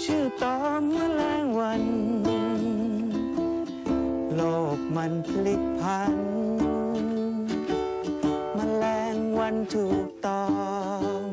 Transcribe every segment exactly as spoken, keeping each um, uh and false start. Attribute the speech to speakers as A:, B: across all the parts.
A: ชื่อตอมแมลงวัน โลกมันพลิกพันแมลงวันถูกตอม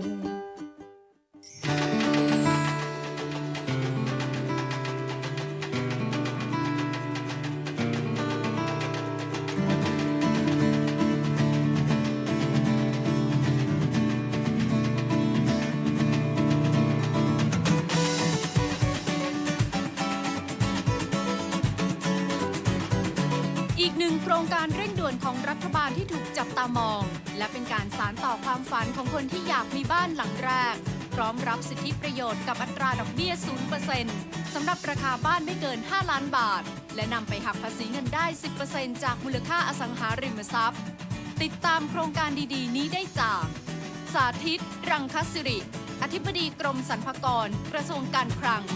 B: อีกหนึ่งโครงการเร่งด่วนของรัฐบาลที่ถูกจับตามอง และเป็นการสานต่อความฝันของคนที่อยากมีบ้านหลังแรกพร้อมรับสิทธิประโยชน์กับอัตราดอกเบี้ย ศูนย์เปอร์เซ็นต์ สำหรับราคาบ้านไม่เกิน ห้าล้านบาท และนำไปหักภาษีเงินได้ สิบเปอร์เซ็นต์ จากมูลค่าอสังหาริมทรัพย์ ติดตามโครงการดีๆนี้ได้จาก สาธิต รังคศิริ อธิบดีกรมสรรพากร กระทรวงการคลัง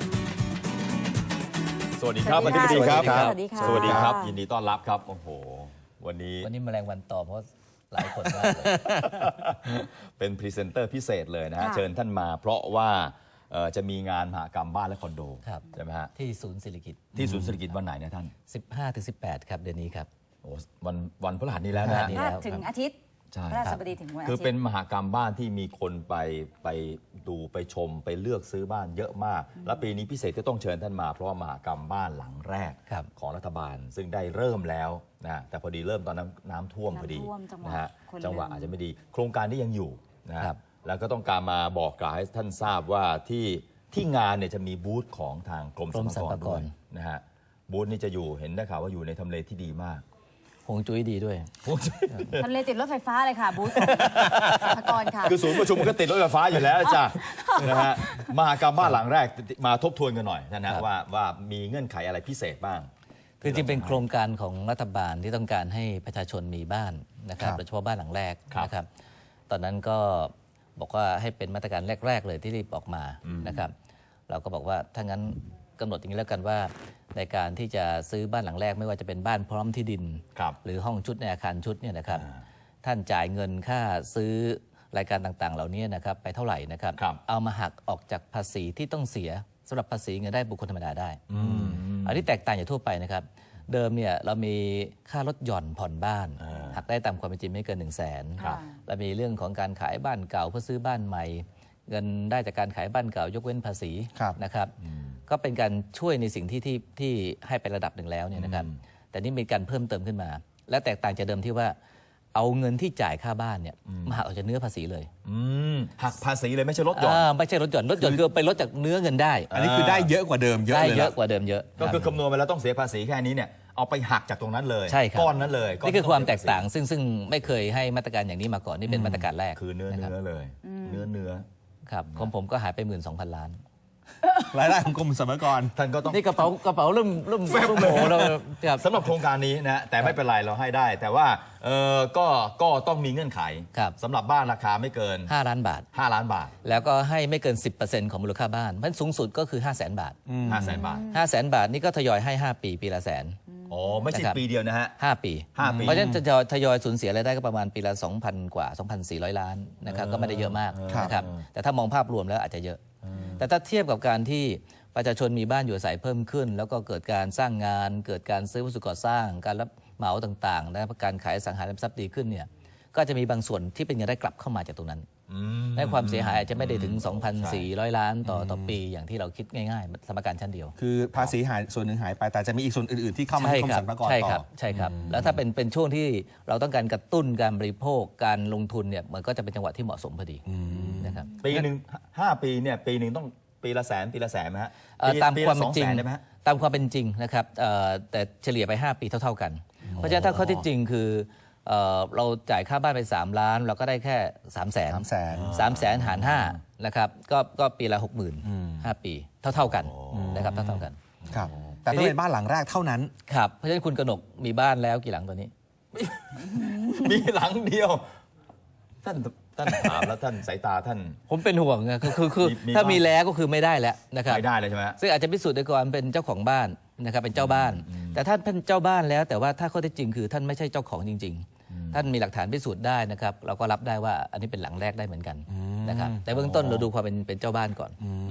C: สวัสดีครับอธิบดีครับ
D: สวัสดีค่ะ
C: สวัสดีครับ ยินดีต้อนรับครับ โอ้โห วันนี้
D: วันนี้แมลงวันตอมเพราะหลายคนมากเลย
C: เป็นพรีเซนเตอร์พิเศษเลยนะฮะ
E: ค่ะ
C: เชิญท่านมาเพราะว่าเอ่อจะมีงานมหกรรมบ้านและคอนโด
D: ครับ
C: ใช่ไหมฮะ
D: ที่ศูนย์เศรษฐกิจ
C: ที่ศูนย์เศรษฐกิจวันไหนนะท่าน
D: สิบห้าถึงสิบแปด ครับเดือนนี้ครับ
C: โอ้วันวันพฤหัสนี้แล้วนะฮะ
D: พฤหัสนี้
E: ถ้า
D: แล้ว
E: ถึงอาทิตย์
C: ใช่
E: พระราชบดีถึงวันอา
C: คือ
E: ทิต
C: เป็น
E: ย์
C: มหกรรมบ้านที่มีคนไปไปดูไปชมไปเลือกซื้อบ้านเยอะมาก และปีนี้พิเศษที่ต้องเชิญท่านมาเพราะว่ามหกรรมบ้านหลังแรก
D: ครับ
C: ของรัฐบาล ซึ่งได้เริ่มแล้วนะแต่พอดีเริ่มตอนน้ำน้ำท่วมพอดี
E: น้ำท่วมจังหวะ
C: นะฮะ
E: คน
C: จังหวะ
E: ลืม
C: อาจจะไม่ดี โครงการนี้ยังอยู่นะฮะ
D: ครับ
C: แล้วก็ต้องการมาบอกกล่าวให้ท่านทราบว่าที่ที่งานเนี่ยจะมีบูธของทางกรม
D: กรม
C: สรรพากร
D: สรรพากร
C: ด้วยนะฮะบูธนี่จะอยู่เห็นได้ข่าวว่าอยู่ในทำเลที่ดีมาก
D: ฮวงจุ้ยดีด้วย
E: ทะเลติดรถไฟฟ้าเลยค่ะ บูธของสรรพากรค่ะ
C: คือศูนย์ประชุมมันก็ติดรถไฟฟ้าอยู่แล้วจ้ะ นะฮะมหกรรมบ้านหลังแรกมาทบทวนกันหน่อยนะฮะ
D: ครับ
C: ว่าว่ามีเงื่อนไขอะไรพิเศษบ้าง
D: คือจริงๆเป็นโครงการของรัฐบาลที่ต้องการให้ประชาชนมีบ้านนะครับ
C: ครับ
D: โดยเฉพาะบ้านหลังแรก
C: ครับ
D: นะครับ ตอนนั้นก็บอกว่าให้เป็นมาตรการแรก ๆ เลยที่รีบออกมานะครับ เราก็บอกว่าถ้างั้นกำหนดอย่างนี้แล้วกันว่า ในการที่จะซื้อบ้านหลังแรกไม่ว่าจะเป็นบ้านพร้อมที่ดิน
C: ครับ
D: หรือห้องชุดในอาคารชุดเนี่ยนะครับ
C: อ่า
D: ท่านจ่ายเงินค่าซื้อรายการต่างๆ เหล่านี้นะครับไปเท่าไหร่นะครับ
C: ครับ
D: เอามาหักออกจากภาษีที่ต้องเสียสำหรับภาษีเงินได้บุคคลธรรมดาได้
C: อืม
D: อันนี้แตกต่างจากทั่วไปนะครับ เดิมเนี่ยเรามีค่าลดหย่อนผ่อนบ้าน
C: อ่า
D: หักได้ตามความเป็นจริงไม่เกิน1นึ่งแสน
E: ครับ
D: เรามีเรื่องของการขายบ้านเก่าเพื่อซื้อบ้านใหม่ เงินได้จากการขายบ้านเก่ายกเว้นภาษี
F: ครับ
D: นะครับ ก็เป็นการช่วยในสิ่งที่ที่ที่ให้ไประดับหนึ่งแล้วเนี่ยนะครับ แต่นี่มีการเพิ่มเติมขึ้นมา และแตกต่างจากเดิมที่ว่าเอาเงินที่จ่ายค่าบ้านเนี่ยมาหักออกจากเนื้อภาษีเลย
C: อืมหักภาษีเลยไม่ใช่ลดหย่อน
D: อ่าไม่ใช่ลดหย่อนลดหย่อนคือไปลดจากเนื้อเงินได้
F: อันนี้คือได้เยอะกว่าเดิมเยอะ
D: ได้
F: เลย
D: เย
F: นะ
D: อะกว่าเดิมเยอะ
C: ก็คือ
D: รับ
C: คำนวณไปแล้วต้องเสียภาษีแค่นี้เนี่ยเอาไปหักจากตรงนั้นเลย
D: ใช่ครับ
C: ก้อนนั้นเลย
D: นี่คือความแตกต่างซึ่งซึ่งไม่เคยให้มาตรการอย่างนี้มาก่อนนี่เป็นมาตรการแรก
C: คือเนื้อ
D: นะครับ
C: เนื้อเลย เนื้อเนื้อ
D: ครับของผมก็หายไปหมื่นสองพันล้าน
F: รายได้ของกรมสรรพากร
C: ท่านก็ต้อง
D: นี่กระเป๋ากระเป๋าเริ่มเริ่มเริ่มโหแล้วครับ
C: สำหรับโครงการนี้นะแต่ไม่เป็นไรเราให้ได้ แต่ว่าเออก็ก็ต้องมีเงื่อนไข
D: ครับ
C: สำหรับบ้านราคาไม่เกิน
D: ห้าล้านบาท
C: ห้าล้านบาท
D: แล้วก็ให้ไม่เกิน สิบเปอร์เซ็นต์ ของมูลค่าบ้านมันสูงสุดก็คือ ห้าแสนบาท
C: ห้าแสนบาท
D: ห้าแสนบาทนี่ก็ทยอยให้ ห้า ปีปีละแสน
C: อ๋อไม่ใช่
D: นะครับ
C: ปีเดียวนะฮะ
D: ห้า ปี
C: ห้าปี
D: เพราะฉะนั้นจะทยอยทยอยสูญเสียรายได้ก็ประมาณปีละ สองพัน กว่า สองพันสี่ร้อย ล้านนะครับก็ไม่ได้เยอะมาก
F: ครับ
D: นะครับแต่ถ้ามองภาพรวมแล้วอาจจะเยอะ แต่ถ้าเทียบกับการที่ประชาชนมีบ้านอยู่อาศัยเพิ่มขึ้น แล้วก็เกิดการสร้างงาน เกิดการซื้อวัสดุก่อสร้าง การรับเหมาต่างๆนะการขายอสังหาริมทรัพย์ดีขึ้นเนี่ยก็จะมีบางส่วนที่เป็นเงินได้กลับเข้ามาจากตรงนั้น
C: อืม
D: และความเสียหายอาจจะไม่ได้ถึง สองพันสี่ร้อย ล้านต่อต่อปีอย่างที่เราคิดง่ายๆสมการชั้นเดียว
F: คือภาษีหายส่วนหนึ่งหายไปแต่จะมีอีกส่วนอื่น ๆ ที่เข้ามา
D: ใช่
F: ที่กรม
D: ครั
F: สรรพากร
D: ใช่
F: ต่
D: ครั
F: อบ
D: ใช่ครับ แล้วถ้าเป็นเป็นช่วงที่เราต้องการกระตุ้นการบริโภคการลงทุนเนี่ยมันก็จะเป็นจังหวะที่เหมาะสมพอดีนะครับ
C: ปีหนึ่งห้าปีเนี่ยปีหนึ่งต้องปีละแสนปีละแสนไหมฮะ
D: เอ่อ
C: ปี
D: ตาม
C: ปี
D: ความ
C: ละส
D: เป็
C: อน ง
D: จริ
C: แส
D: ง
C: นได้ไหมฮะ
D: ตามความเป็นจริงนะครับเอ่อแต่เฉลี่ยไป ห้า ปีเท่า ๆกัน เพราะฉะนั้นถ้าข้อที่จริงคือเอ่อเราจ่ายค่าบ้านไป สาม ล้าน เราก็ได้แค่ สาม แสน
F: สามแสน
D: สามแสนหารห้านะครับก็ก็ปีละ หกหมื่น ห้า ปีเท่า ๆกันนะครับเท่าๆกัน
F: ครับ แต่ต้องเป็นบ้านหลังแรกเท่านั้น
D: ครับเพราะฉะนั้นคุณกนกมีบ้านแล้วกี่หลังตัวนี้
C: มีหลังเดียว ท่านท่านถามแล้วท่านสายตาท่าน
D: ผมเป็นห่วงไงคือคือคือ
C: มีมี
D: ถ้า
C: บ้าง
D: มีแล้วก็คือไม่ได้แล้วนะครับ
C: ไม่ได้เลยใช่ไหมฮะ
D: ซึ่งอาจจะพิสูจน์ได้ก่อนเป็นเจ้าของบ้านนะครับเป็นเจ้าบ้าน แต่ท่านเป็นเจ้าบ้านแล้ว แต่ว่าถ้าข้อเท็จจริงคือท่านไม่ใช่เจ้าของจริง ๆ ท่านมีหลักฐานพิสูจน์ได้นะครับเราก็รับได้ว่าอันนี้เป็นหลังแรกได้เหมือนกันนะครับแต่เบื้องต้นเราดูความเป็นเป็นเจ้าบ้านก่อนนะครับ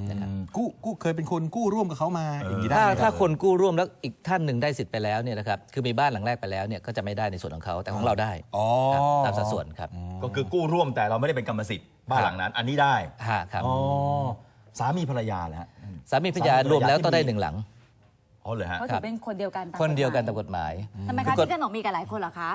F: กู้กู้เคยเป็นคนกู้ร่วมกับเขามาอย่างนี้ได้
D: ถ้า
F: ไหม
D: ถ้าคนกู้ร่วมแล้วอีกท่านหนึ่งได้สิทธิ์ไปแล้วเนี่ยนะครับคือมีบ้านหลังแรกไปแล้วเนี่ยก็จะไม่ได้ในส่วนของเขาแต่ของเราได้
F: อ๋อ
D: ครับตามสัดส่วนครับ
C: ก็คือกู้ร่วมแต่เราไม่ได้เป็นกรรมสิทธิ์บ้านหลังนั้น อันนี้ได้
D: ฮะครับ
C: อ๋อสามีภรรยาแล้ว
D: สามีภรรยารวมแล้วต้องได้หนึ่งหลัง
C: อ๋อเหรอฮะ
E: เพราะถือเป็นคนเดียวกันตาม
D: คนเดียวกัน
E: ฎ
D: ตามกฎหมาย
E: หมายทำไม
D: คื
E: คะ
D: อกฎ
E: ที่ขนมมีกันหลายคนเหรอคะ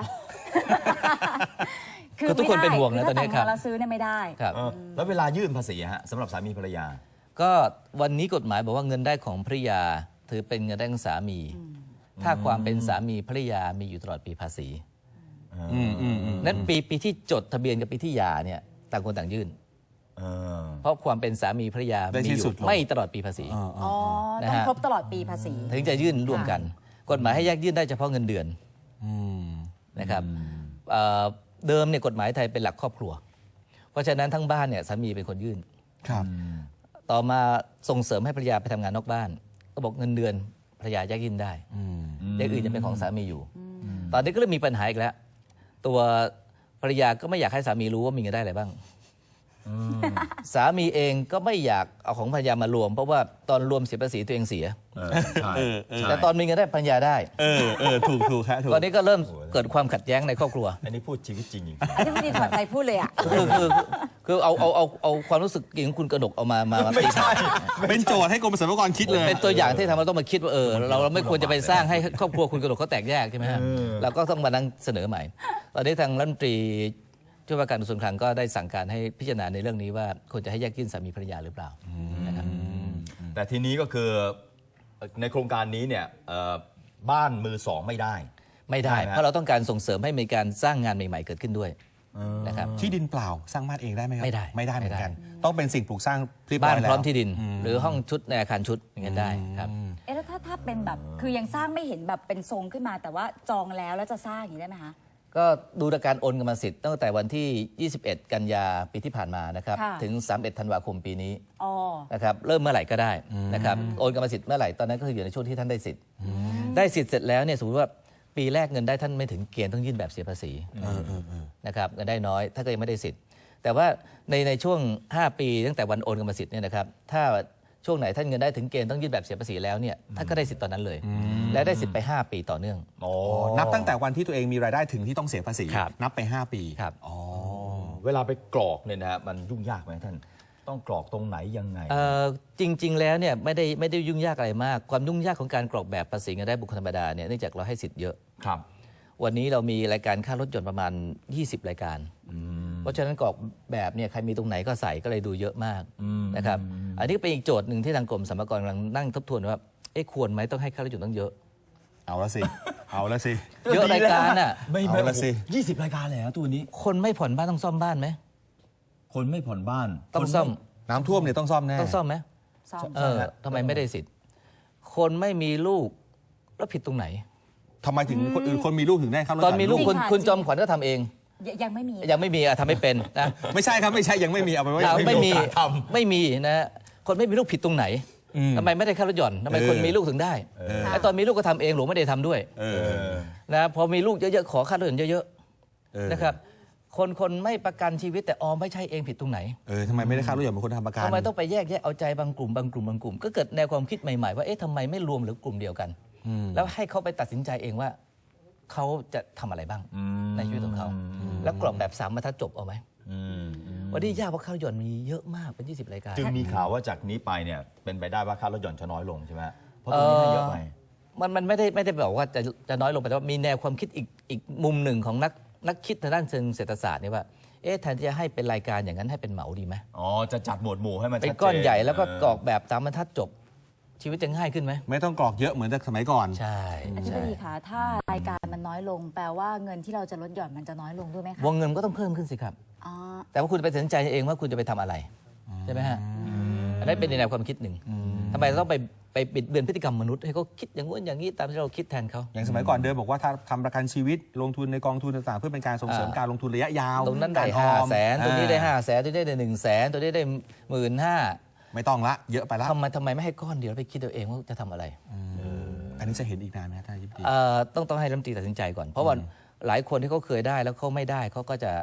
D: คือทุกคนเป็นห่วงนะ
E: ไม่ได้
D: ตอนนี้
E: คื
D: ครับ
E: ถ้าแต่งงานแล้วซื้อเนี่ยไม่ได้
D: ครับ
C: เออแล้วเวลายื่นภาษีฮะสำหรับสามีภรรยา
D: ก็วันนี้กฎหมายบอกว่าเงินได้ของภรรยาถือเป็นเงินได้ของสามี ถ้าความเป็นสามีภรรยามีอยู่ตลอดปีภาษี
F: อืมอืมอืม
D: นั้นปีปีที่จดทะเบียนกับปีที่หย่าเนี่ยต่างคนต่างยื่น
C: เออ
D: เพราะความเป็นสามีภรรยา
F: ได้
D: มี
F: ที่
D: อ
F: สุ
D: ยู่
F: ดลง
D: ไม่ตลอดปีภาษี
F: อ๋ออ๋อ
E: อ๋อ
D: นะ
E: ต้อง
D: ฮะ
E: ครบตลอดปีภาษี
D: ถึงจะยื่นร่วมกัน กฎหมายให้แยกยื่นได้เฉพาะเงินเดือน
F: อืม
D: นะครับเอ่อเดิมเนี่ยกฎหมายไทยเป็นหลักครอบครัว เพราะฉะนั้นทั้งบ้านเนี่ยสามีเป็นคนยื่น
F: ครับ
D: ต่อมาส่งเสริมให้ภรรยาไปทำงานนอกบ้าน ก็บอกเงินเดือนภรรยาแยกยื่นได้
F: อืม
D: อย่างอื่นจะเป็นของสามีอยู่ ตอนนี้ก็เริ่มมีปัญหาอีกแล้ว ตัวภรรยาก็ไม่อยากให้สามีรู้ว่ามีเงินได้อะไรบ้าง สามีเองก็ไม่อยากเอาของภรรยามารวม เพราะว่าตอนรวมเสียภาษีตัวเองเสีย
C: เออใช่
F: เออเออ
C: ใช่
D: แต่ตอนมีเงินได้ภรรยาได้
F: เออเออถูกถูกครับถูก
D: ตอนนี้ก็เริ่มเกิดความขัดแย้งในครอบครัว
C: อันนี้พูดชีวิตจริงจริง
E: อันนี้ไม่ได้ถอดใจพูดเลยอ่ะ
D: คือคือคือเอาเอาเอาเอาความรู้สึกของคุณกระดกเอามามามา
C: ไม่ใช่
F: เป็นโจทย์ให้กรมสรรพากรคิดเลย
D: เป็นตัวอย่างที่ทำให้เราต้องมาคิดว่าเออเราเราไม่ควรจะไปสร้างให้ครอบครัวคุณกระดกเขาแตกแยกใช่ไหมฮะเราก็ต้องมานั่งเสนอใหม่ ตอนนี้ทางรัฐมนตรีช่วยว่าการกระทรวงคลังก็ได้สั่งการให้พิจารณาในเรื่องนี้ว่าควรจะให้แยกยื่นสามีภรรยาหรือเปล่านะครับ
C: แต่ทีนี้ก็คือในโครงการนี้เนี่ยเอ่อบ้านมือสองไม่ได้
D: ไม่ได้
C: ได้ไหม
D: เพราะเราต้องการส่งเสริมให้มีการสร้างงานใหม่ๆเกิดขึ้นด้วยนะครับ
F: ที่ดินเปล่าสร้างบ้านเองได้ไหมครับ
D: ไม่ได้
F: ไม่ได้เหมือนกัน
D: ไม่ได้
F: ต้องเป็นสิ่งปลูกสร้างเรียบร้
D: บ้า
F: อน ยแล้ว
D: พร้อมที่ดิน หรือห้องชุดในอาคารชุดอย่างเงี้ยได้ครับ
E: เอ๊ะแล้วถ้าถ้าเป็นแบบคือยังสร้างไม่เห็นแบบเป็นทรงขึ้นมา แต่ว่าจองแล้วแล้วจะสร้างอย่างนี้ได้ไหมคะ
D: ก็ดูจากการโอนกรรมสิทธิ์ตั้งแต่วันที่ ยี่สิบเอ็ด กันยาปีที่ผ่านมานะครับ
E: ค่ะ
D: ถึง สามสิบเอ็ด ธันวาคมปีนี้
E: อ๋อ
D: นะครับเริ่มเมื่อไหร่ก็ได้นะครับโอนกรรมสิทธิ์เมื่อไหร่ตอนนั้นก็คืออยู่ในช่วงที่ท่านได้สิทธิ์ได้สิทธิ์เสร็จแล้วเนี่ยสมมติว่าปีแรกเงินได้ท่านไม่ถึงเกณฑ์ต้องยื่นแบบเสียภาษีนะครับเงินได้น้อยถ้าก็ยังไม่ได้สิทธิ์ แต่ว่าในในช่วง ห้า ปีตั้งแต่วันโอนกรรมสิทธิ์เนี่ยนะครับถ้าช่วงไหนท่านเงินได้ถึงเกณฑ์ต้องยื่นแบบเสียภาษีแล้วเนี่ยท่านก็ได้สิทธิ์ตอนนั้นเลย และได้สิทธิ์ไป ห้า ปีต่อเนื่อง
C: โอ้
F: นับตั้งแต่วันที่ตัวเองมีรายได้ถึงที่ต้องเสียภาษี
D: ครับ
F: นับไป ห้า ปี
D: ครับ
F: อ๋อ
C: เวลาไปกรอกเนี่ยนะฮะมันยุ่งยากไหมท่านต้องกรอกตรงไหนยังไง
D: เอ่อจริง ๆ แล้วเนี่ยไม่ได้ไม่ได้ยุ่งยากอะไรมาก ความยุ่งยากของการกรอกแบบภาษีเงินได้บุคคลธรรมดาเนี่ยเนื่องจากเราให้สิทธิ์เยอะ
C: ครับ
D: วันนี้เรามีรายการค่ารถยนต์ประมาณ ยี่สิบ รายการ เพราะฉะนั้นกรอกแบบเนี่ยใครมีตรงไหนก็ใส่ก็เลยดูเยอะมากนะครับอันนี้ก็เป็นอีกโจทย์หนึ่งที่ทางกรมสรรพากรกำลังนั่งทบทวนว่าเอ๊ะควรไหมต้องให้ค่ารถยนต์ต้องเยอะ
F: เอาละสิ เอาละสิ
D: เยอะรายการอ่ะ
C: ไม่ไม่
F: เอาละสิ
C: ยี่สิบรายการเลยฮะตัวนี้
D: คนไม่ผ่อนบ้านต้องซ่อมบ้านไหม
C: คนไม่ผ่อนบ้าน
D: ต้องซ่อม
F: น้ำท่วมเนี่ยต้องซ่อมแน่
D: ต้องซ่อมไหม
E: ซ่อม
D: เออทำไมไม่ได้สิทธิ์ คนไม่มีลูกแล้วผิดตรงไหน
F: ทำไมถึงคนอื่นคนมีลูกถึงได้ครับ
D: ตอนมีลูก
E: จริง
D: คุณ
E: ค่ะ
D: คุณ
E: จริง
D: จอมขวัญก็ทำเอง
E: ยยังไม่มี
D: ยังไม่มีอะทำไม่เป็นนะ
F: ไม่ใช่ครับไม่ใช่ยังไม่มีเอาไปไว้
D: เราไม่มี
F: โอกาสท
D: ไม่มีนะ คนไม่มีลูกผิดตรงไหน
F: อืม
D: ทำไมไม่ได้ค่ารถหย่อนทำไม
F: เออ
D: คนมีลูกถึงได้ไอ้ตอนมีลูกก็ทำเองหลวงไม่ได้ทำด้วย
F: เออ
D: นะพอมีลูกเยอะๆขอค่ารถหย่อนเยอะ
F: เออ
D: ๆนะครับคนคนไม่ประกันชีวิตแต่ออมไม่ใช่เองผิดตรงไหน
F: เออทำไมไม่ได้ค่ารถยนต์เป็นคนทำประกัน
D: ทำไมต้องไปแยกแยะเอาใจบางกลุ่มบางกลุ่มบางกลุ่มก็เกิดแนวความคิดใหม่ๆว่าเอ๊ะทำไมไม่รวมหรือกลุ่มเดียวกัน แล้วให้เขาไปตัดสินใจเองว่าเขาจะทำอะไรบ้างในชีวิตของเขาแล้วกรอบแบบสามบรรทัดจบเอาไหม
C: อืม
D: วันนี้ยากเพราะค่ารถยนต์มีเยอะมากเป็นยี่สิบรายการ
C: จึงมีข่าวว่าจากนี้ไปเนี่ยเป็นไปได้ว่าค่ารถยนต์จะน้อยลงใช่ไหมเพราะตรงนี้ให้เยอะไป
D: มันมันไม่ได้ไม่ได้บอกว่าจะจะน้อยลงไปแต่ว่ามีแนวความคิดอีกอีกมุมหนึ่งของนักนักคิดทางด้านเชิงเศรษฐศาสตร์เนี่ยว่าเอ๊ะแทนที่จะให้เป็นรายการอย่างนั้นให้เป็นเหมาดีไหม
C: อ๋อจะจัดหมวดหมู่ให้มัน
D: เป็น
C: ชัดจ
D: ก้อนใหญ่แล้วก็กรอกแบบตามบรรทัดจบ ชีวิตจะง่ายขึ้นไหม
F: ไม่ต้องกรอกเยอะเหมือนแต่สมัยก่อน
D: ใช่
E: อธิบ
D: ใช่
E: ดีคะถ้ารายการมันน้อยลง แปลว่าเงินที่เราจะลดหย่อนมันจะน้อยลงด้วยไหมคะ
D: วงเงินก็ต้องเพิ่มขึ้นสิครับ
E: อ๋อ
D: แต่ว่าคุณไปตัดสินใจเองว่าคุณจะไปทำอะไรใช่ไหมฮะอันนั้นเป็นในแนวความคิดหนึ่งทำไมเราต้องไปไปบิดเบือนพฤติกรรมมนุษย์ให้เขาคิดอย่างงู้นอย่างนี้ตามที่เราคิดแทนเขา
F: อย่างสมัยก่อนเดิมบอกว่าถ้าทำประกันชีวิตลงทุนในกองทุนต่างๆ เพื่อเป็นการส่งเสริม
D: อ่า
F: การลงทุนระยะยาว
D: ตรงนั้นได้
F: กอ
D: ห้า
F: อม
D: แสนตรงนี้ได้
F: อ่
D: ห้าแสนตัวนี้ได้หนึ่งแสนตัวนี้ได้หมื่นห้า
F: ไม่ต้องละเยอะไปละ
D: ทำไมทำไมไม่ให้ก้อนเดียวแล้วไปคิดเอาเองว่าจะทำอะไร
F: อันนี้จะเห็นอีกนานไหมครับท่านยิบดี
D: เอ่อต้องต้องให้รัฐมนตรีตัดสินใจก่อน เพราะว่าหลายคนที่เขาเคยได้แล้วเขาไม่ได้เขาก็จะ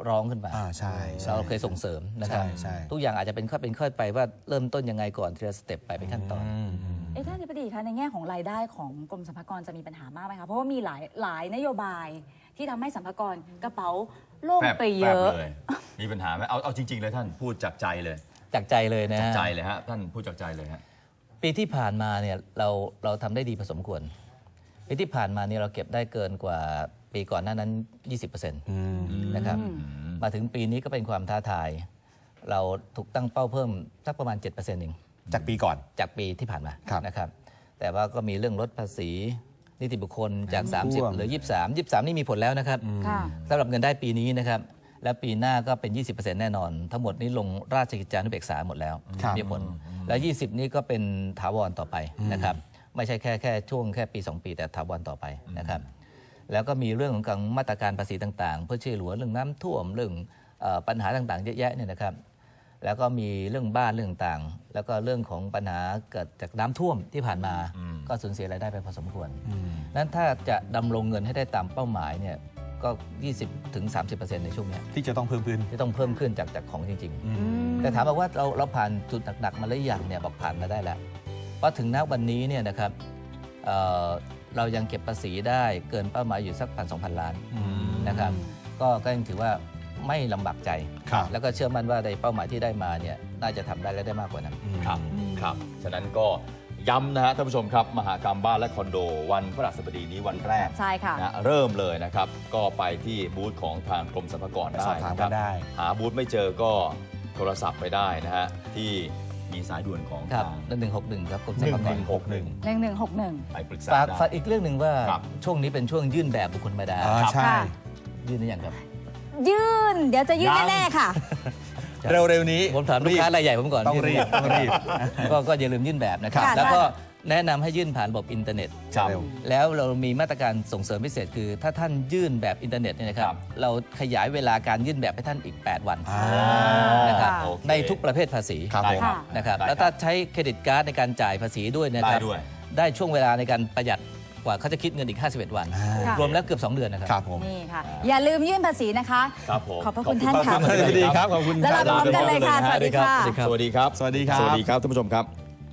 D: ร้องขึ้นมา
F: อ่าใช่ใช่
D: เราเคยส่งเสริมนะครับ
F: ใช่ใช่
D: ทุกอย่างอาจจะเป็นค่อยเป็นค่อยไปว่าเริ่มต้นยังไงก่อนทีละสเต็ปไปเป็นขั้นตอน
E: เอ๊ะท่านอธิบดีคะในแง่ของรายได้ของกรมสรรพากรจะมีปัญหามากไหมคะเพราะว่ามีหลายหลายนโยบายที่ทำให้สรรพากรกระเป๋าโล่ง
C: แฟบ
E: ไปเยอะ
C: แฟบเลยมีปัญหาไหมเอาเอาจริง ๆ เลยท่านพูดจากใจเลย
D: จากใจเลยนะ
C: จาก
D: ฮะ
C: ใจเลยฮะท่านพูดจากใจเลยฮะ
D: ปีที่ผ่านมาเนี่ยเราเราทำได้ดีพอสมควรปีที่ผ่านมาเนี่ยเราเก็บได้เกินกว่าปีก่อนหน้านั้น ยี่สิบเปอร์เซ็นต์ นะครับมาถึงปีนี้ก็เป็นความท้าทาย เราถูกตั้งเป้าเพิ่มสักประมาณ เจ็ดเปอร์เซ็นต์ เอง
F: จากปีก่อน
D: จากปีที่ผ่านมา
F: ครับ
D: นะครับแต่ว่าก็มีเรื่องลดภาษีนิติบุคคลจาก
F: ท่วม
D: สามสิบเหลือ ยี่สิบสาม ยี่สิบสาม นี่มีผลแล้วนะครับ
E: ค่ะ
D: สำหรับเงินได้ปีนี้นะครับและปีหน้าก็เป็น ยี่สิบเปอร์เซ็นต์ แน่นอน ทั้งหมดนี้ลงราชกิจจานุเบกษาหมดแล้ว
F: ครับ
D: มีผล แล้ว ยี่สิบ นี่ก็เป็นถาวรต่อไปนะครับไม่ใช่แค่แค่ช่วงแค่ปี สอง ปีแต่ถาวรต่อไปนะครับแล้วก็มีเรื่องของการมาตรการภาษีต่างๆ เพื่อช่วยเหลือเรื่องน้ำท่วมเรื่องเอ่อปัญหาต่างๆเยอะแยะเนี่ยนะครับแล้วก็มีเรื่องบ้านเรื่องต่างๆแล้วก็เรื่องของปัญหาเกิดจากน้ำท่วมที่ผ่านมาก็สูญเสียรายได้ไปพอสมควรนั้นถ้าจะดำรงเงินให้ได้ตามเป้าหมายเนี่ยก็ ยี่สิบถึงสามสิบเปอร์เซ็นต์ ในช่วงเนี้ย
F: ที่จะต้องเพิ่มขึ้น
D: ที่ต้องเพิ่มขึ้นจากจากของจริง ๆ แต่ถามบอกว่าเราเราผ่านจุดหนักๆมาแล้วอย่างเนี่ยบอกผ่านมาได้แล้วเพราะถึงณวันนี้เนี่ยนะครับเอ่อเรายังเก็บภาษีได้เกินเป้าหมายอยู่สักพันสองพันล้านนะครับก็ก็ยังถือว่าไม่ลำบากใจ
F: ครับ
D: แล้วก็เชื่อมั่นว่าในเป้าหมายที่ได้มาเนี่ยน่าจะทำได้และได้มากกว่านั้น
C: ครับครับฉะนั้นก็ย้ำนะฮะท่านผู้ชมครับมหกรรมบ้านและคอนโดวันพฤหัสบดีนี้วันแรก
E: ใช่ค่ะ
C: นะเริ่มเลยนะครับ ก็ไปที่บูธของทางกรมสรรพากรได้
F: สอบถาม
C: นะค
F: กั
C: รับ
F: นได้
C: หาบูธไม่เจอก็โทรศัพท์ไปได้นะฮะที่มีสายด่วนของ
D: ครับ
C: ทาง
D: หนึ่งหนึ่งหกหนึ่งครับกรม
C: ห
D: สรร
C: นึ่ง
D: พาก
C: ห
D: ร
C: นึ่งหกหนึ่ง
E: หนึ่งหนึ่งหกหนึ่ง
C: ไปปรึกษา
D: ฝาก
C: ได้
D: ฝากอีกเรื่องหนึ่งว่า
C: ครับ
D: ช่วงนี้เป็นช่วงยื่นแบบบุคคลธรรมดา
F: อ่าใช่
E: ค่ะ
D: ยื่นหรือยังครับ
E: ยื่น เดี๋ยวจะยื่น
F: ยัง
E: แน่ๆค่ะ
F: เร็วๆนี้
D: ผมถามลูกค้ารายใหญ่ผมก่อน
F: ต้องรีบต้องรีบ
D: ก็ก็อย่าลืมยื่นแบบนะครับ
E: ค่ะ
D: แล้วก็แนะนำให้ยื่นผ่านระบบอินเทอร์เน็ต
C: ครับ
F: เร็ว
D: แล้วเรามีมาตรการส่งเสริมพิเศษคือ ถ้าท่านยื่นแบบอินเทอร์เน็ตเนี่ยนะครั
C: ครับ บ
D: เราขยายเวลาการยื่นแบบให้ท่านอีก แปด วัน
F: อ่า
D: นะครับ
E: ค่ะ
C: โอเค
D: ในทุกประเภทภาษี
F: ครับผม
C: ได้
D: นะครับ
C: ได้
D: แล้วถ้าใช้เครดิตการ์ดในการจ่ายภาษีด้วยนะค
C: ได้
D: รับ
C: ด้วย
D: ได้ช่วงเวลาในการประหยัดกว่าเขาจะคิดเงินอีก ห้าสิบเอ็ด วัน
E: ค่ะ
D: รวมแล้วเกือบ สอง เดือนนะครับ
F: ครับผม
E: นี่ค่ะ อย่าลืมยื่นภาษีนะคะ
C: ครับผม
E: ขอบพระคุณท่านค่ะ
F: ขอบคุณท่านดีครับ ขอบคุณ
E: แล้วเราพร้อมกันเลยค่ะ สวัสดีค่ะ
C: สวัสดีครับ
F: สวัสดีครับ
C: สวัสดีครับท่านผู้ชมครับ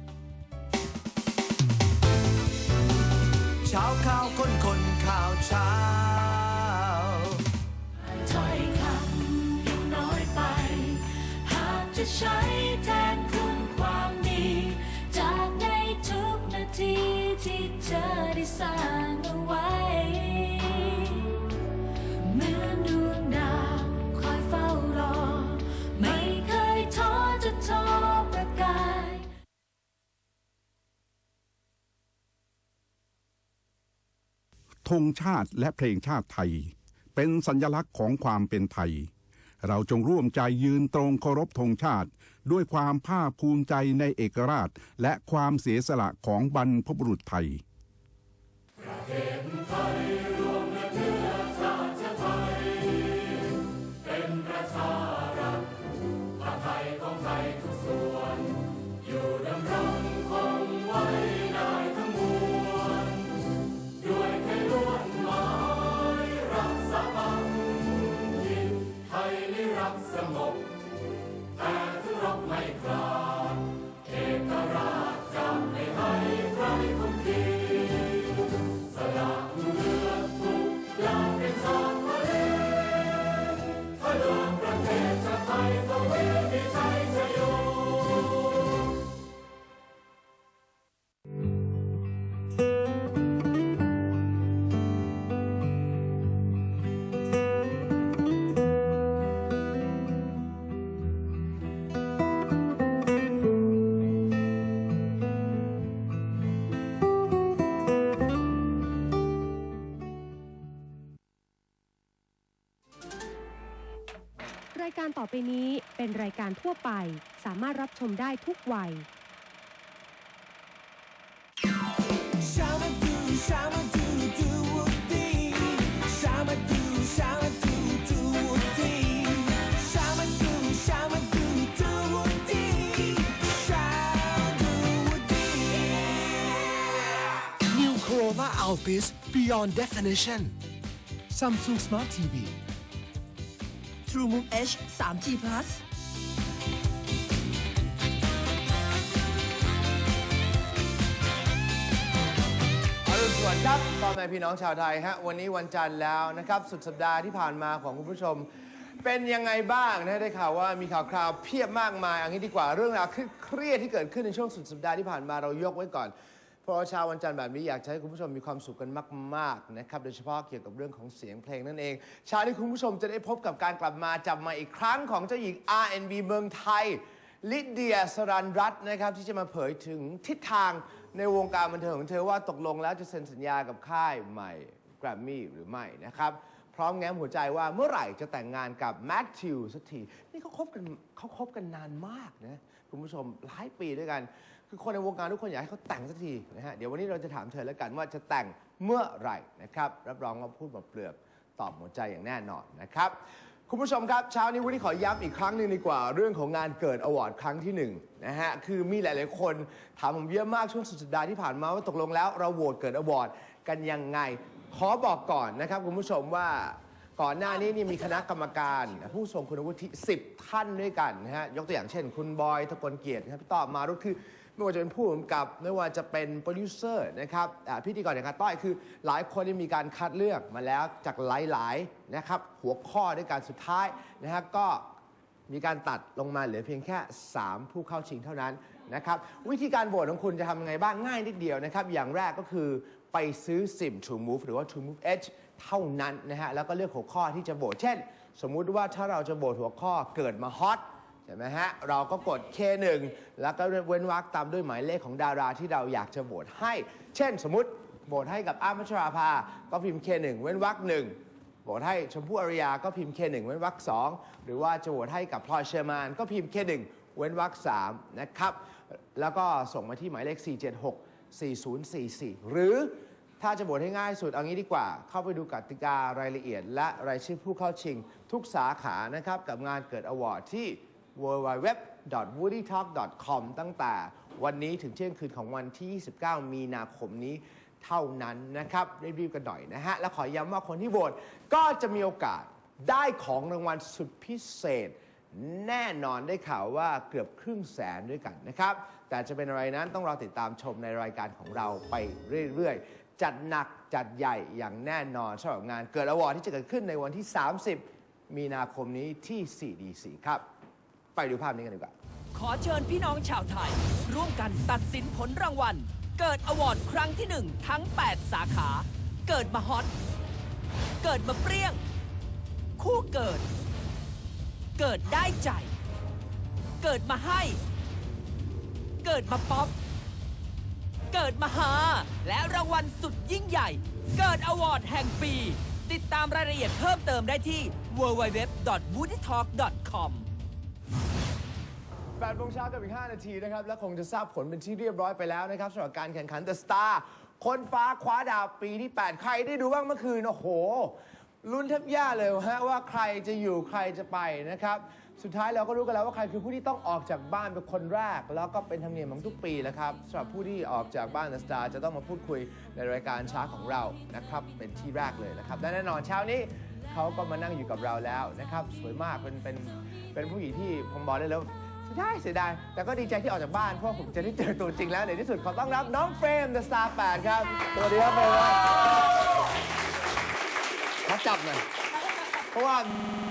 A: เช้าข่าวคนคนข่าวเช้า
G: ถ้อยคำยังน้อยไป หากจะใช้แทนคุณความดี จากในทุกนาทีที่เธอได้สร้างเอาไว้ เหมือนดวงดาวคอยเฝ้ารอ ไม่เคยท้อจะท้อประกาย
H: ธงชาติและเพลงชาติไทย เป็นสัญลักษณ์ของความเป็นไทย เราจงร่วมใจยืนตรงเคารพธงชาติ ด้วยความภาคภูมิใจในเอกราช และความเสียสละของบรรพบุรุษไทย
I: รายการต่อไปนี้เป็นรายการทั่วไปสามารถรับชมได้ทุกวัย
J: New Corolla Altis Beyond Definition Samsung Smart ที วี TrueMove H ทรี จี Plus
K: อรุณสวัสดิ์ครับพ่อแม่พี่น้องชาวไทยฮะวันนี้วันจันทร์แล้วนะครับสุดสัปดาห์ที่ผ่านมาของคุณผู้ชมเป็นยังไงบ้างนะได้ข่าวว่ามีข่าวคราวเพียบมากมายเอันนี้ดีกว่าเรื่องราวเครียดที่เกิดขึ้นในช่วงสุดสัปดาห์ที่ผ่านมาเรายกไว้ก่อนเพราะว่าเช้าวันจันทร์แบบนี้อยากจะให้คุณผู้ชมมีความสุขกันมากๆนะครับโดยเฉพาะเกี่ยวกับเรื่องของเสียงเพลงนั่นเองเช้านี้คุณผู้ชมจะได้พบกับการกลับมาจับมาอีกครั้งของเจ้าหญิง อาร์ แอนด์ บี เมืองไทยลิเดียสรันรัตน์นะครับที่จะมาเผยถึงทิศทางในวงการบันเทิงของเธอว่าตกลงแล้วจะเซ็นสัญญากับค่ายใหม่แกรมมี่หรือไม่นะครับพร้อมแง้มหัวใจว่าเมื่อไหร่จะแต่งงานกับแมทธิวสักทีนี่เขาคบกันเขาคบกันนานมากนะคุณผู้ชมหลายปีด้วยกันคือคนในวงการทุกคนอยากให้เขาแต่งสักทีนะฮะเดี๋ยววันนี้เราจะถามเธอแล้วกันว่าจะแต่งเมื่อไหร่นะครับรับรองว่าพูดแบบเปลือกตอบหัวใจอย่างแน่นอนนะครับคุณผู้ชมครับเช้านี้วันนี้ขอย้ำอีกครั้งหนึ่งดีกว่าเรื่องของงานเกิดอวอร์ดครั้งที่หนึ่งนะฮะคือมีหลายๆคนถามผมเยอะมากช่วงสุดสัปดาห์ที่ผ่านมาว่าตกลงแล้วเราโหวตเกิดอวอร์ดกันยังไงขอบอกก่อนนะครับคุณผู้ชมว่าก่อนหน้านี้นี่มีคณะกรรมการผู้ทรงคุณวุฒิสิบท่านด้วยกันนะฮะยกตัวอย่างเช่นคุณบอยทกลเกียรติครับพี่ต้อมารุตคือไม่ว่าจะเป็นผู้กำกับไม่ว่าจะเป็นโปรดิวเซอร์นะครับพิธีกรอย่างการต้อยคือหลายคนที่มีการคัดเลือกมาแล้วจากหลายๆนะครับหัวข้อด้วยการสุดท้ายนะฮะก็มีการตัดลงมาเหลือเพียงแค่สามผู้เข้าชิงเท่านั้นนะครับวิธีการโหวตของคุณจะทำยังไงบ้างง่ายนิดเดียวนะครับอย่างแรกก็คือไปซื้อซิม TrueMove หรือว่า TrueMove H เท่านั้นนะฮะแล้วก็เลือกหัวข้อที่จะโหวตเช่นสมมุติว่าถ้าเราจะโหวตหัวข้อเกิดมาฮอตใช่ไหมฮะเราก็กด เค หนึ่ง แล้วก็เว้นวรรคตามด้วยหมายเลขของดาราที่เราอยากจะโหวตให้เช่นสมมุติโหวตให้กับอ้ำพัชราภาก็พิมพ์ เค หนึ่ง เว้นวรรคหนึ่งโหวตให้ชมพู่อารยาก็พิมพ์ เค หนึ่ง เว้นวรรคสองหรือว่าจะโหวตให้กับพลอยเชอร์มานก็พิมพ์ เค หนึ่ง เว้นวรรคสามนะครับแล้วก็ส่งมาที่หมายเลขสี่ เจ็ด หก สี่ ศูนย์ สี่ สี่ หรือถ้าจะโหวตให้ง่ายสุดเอางี้ดีกว่าเข้าไปดูกติการายละเอียดและรายชื่อผู้เข้าชิงทุกสาขานะครับกับงานเกิดอวอร์ดที่ ดับเบิลยู ดับเบิลยู ดับเบิลยู ดอท วูดดี้ทอล์ก ดอท คอม ตั้งแต่วันนี้ถึงเที่ยงคืนของวันที่ยี่สิบเก้ามีนาคมนี้เท่านั้นนะครับรีบๆกันหน่อยนะฮะและขอย้ำว่าคนที่โหวตก็จะมีโอกาสได้ของรางวัลสุดพิเศษแน่นอนได้ข่าวว่าเกือบครึ่งแสนด้วยกันนะครับแต่จะเป็นอะไรนั้นต้องรอติดตามชมในรายการของเราไปเรื่อยๆจัดหนักจัดใหญ่อย่างแน่นอนสำหรับงานเกิดอวอร์ดที่จะเกิดขึ้นในวันที่สามสิบมีนาคมนี้ที่ ซี ดี ซี ครับไปดูภาพนี้กันดีกว่า
J: ขอเชิญพี่น้องชาวไทยร่วมกันตัดสินผลรางวัลเกิดอวอร์ดครั้งที่หนึ่งทั้งแปดสาขาเกิดมาฮอตเกิดมาเปรี้ยงคู่เกิดเกิดได้ใจ เกิดมาให้ เกิดมาป๊อปเกิดมาหาและรางวัลสุดยิ่งใหญ่เกิดอวอร์ดแห่งปีติดตามรายละเอียดเพิ่มเติมได้ที่ ดับเบิลยู ดับเบิลยู ดับเบิลยู ดอท วูดดี้ทอล์ก ดอท คอม
K: แปดโมงเช้ากับอีกห้านาทีนะครับและคงจะทราบผลเป็นที่เรียบร้อยไปแล้วนะครับสำหรับการแข่งขัน The Star คนฟ้าคว้าดาวปีที่แปดใครได้ดูบ้างเมื่อคืนโอ้โหลุ้นแทบแย่เลยฮะว่าใครจะอยู่ใครจะไปนะครับสุดท้ายเราก็รู้กันแล้วว่าใครคือผู้ที่ต้องออกจากบ้านเป็นคนแรกแล้วก็เป็นธรรมเนียมของทุกปีแล้วครับสำหรับผู้ที่ออกจากบ้าน The Star จะต้องมาพูดคุยในรายการเช้าของเรานะครับเป็นที่แรกเลยนะครับและแน่นอนเช้านี้เขาก็มานั่งอยู่กับเราแล้วนะครับสวยมากเป็นเป็นเป็นผู้หญิงที่ผมบอกได้แล้วเสียดายเสียดายแต่ก็ดีใจที่ออกจากบ้านเพราะผมจะได้เจอตัวจริงแล้วในที่สุดขอต้อนรับน้องเฟรม The Star แปดครับสวัสดีครับเฟรมขอจับหน่อยเพราะว่า